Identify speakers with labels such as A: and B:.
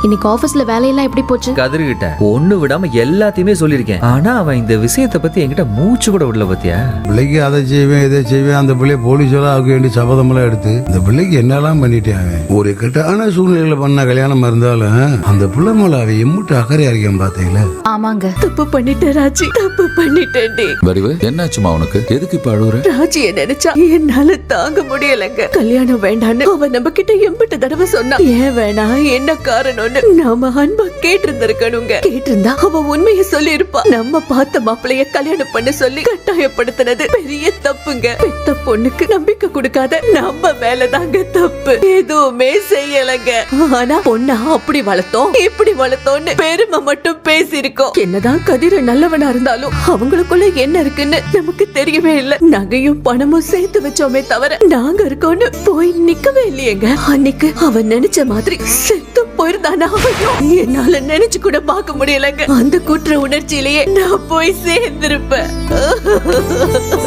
A: இன்னைக்கு ஆபீஸ்ல வேலையெல்லாம் எப்படி போச்சு?
B: கதிர்கிட்ட ஒண்ணு விடாம எல்லாத்தையுமே சொல்லியிருக்கேன். ஆனா அவன் இந்த விஷயத்தை பத்தி என்கிட்ட மூச்சு கூட விடல பத்தியா?
C: பிள்ளைக்கு அதை செய்வேன் இதை செய்வேன், அந்த பிள்ளைய போலீஸோட ஆக வேண்டிய சபதம் எல்லாம் எடுத்து இந்த பிள்ளைக்கு என்னெல்லாம் பண்ணிட்டேன். ஒரு கெட்டான சூழ்நிலையில பண்ண கல்யாணம் இருந்தாலும் அந்த பிள்ளை மேல அவ எம்முட்டு அக்கறையா இருக்கேன் பாத்தீங்களா?
D: ஆமாங்க,
E: தப்பு பண்ணிட்டேன் ராஜி, தப்பு பண்ணிட்டேன்டி.
F: வடிவு என்னாச்சுமா உனக்கு? எதுக்கு இப்ப அழுகுற?
E: ராஜிய நினைச்சா என்னால தாங்க முடியலங்க. கல்யாணம் வேண்டான்னு அவ நம்ம கிட்ட எம்பிட்டு தடவை சொன்னா. ஏன் வேணாம், என்ன காரணம்னு நாம அன்பா கேட்டிருந்திருக்கணுங்க. கேட்டிருந்தா அவ உண்மையை சொல்லி இருப்பா. நம்ம பார்த்த மாப்பிளைய கல்யாணம் பண்ண சொல்லி கட்டாயப்படுத்தினது பெரிய தப்புங்க. பெத்த பொண்ணுக்கு நம்பிக்கை கொடுக்காத நம்ம மேலதாங்க தப்பு. எதுவுமே செய்யலங்க. ஆனா பொண்ணா அப்படி வளர்த்தோம் இப்படி வளர்த்தோம்னு பெருமை மட்டும் பேசியிருக்கோம். என்னதான் கதிர நல்லவனா இருந்தாலும் அவங்களுக்குள்ள என்ன இருக்குன்னு நமக்கு தெரியவே இல்ல. நகையும் பணமும் சேர்த்து வச்சோமே தவிர நாங்க இருக்கோம்னு போய் நிக்கவே இல்லையேங்க. அன்னைக்கு அவன் நினைச்ச மாதிரி செத்து போயிருந்தானா? என்னால நினைச்சு கூட பார்க்க முடியலங்க. அந்த குற்ற உணர்ச்சியிலேயே நான் போய் சேர்ந்திருப்பேன்.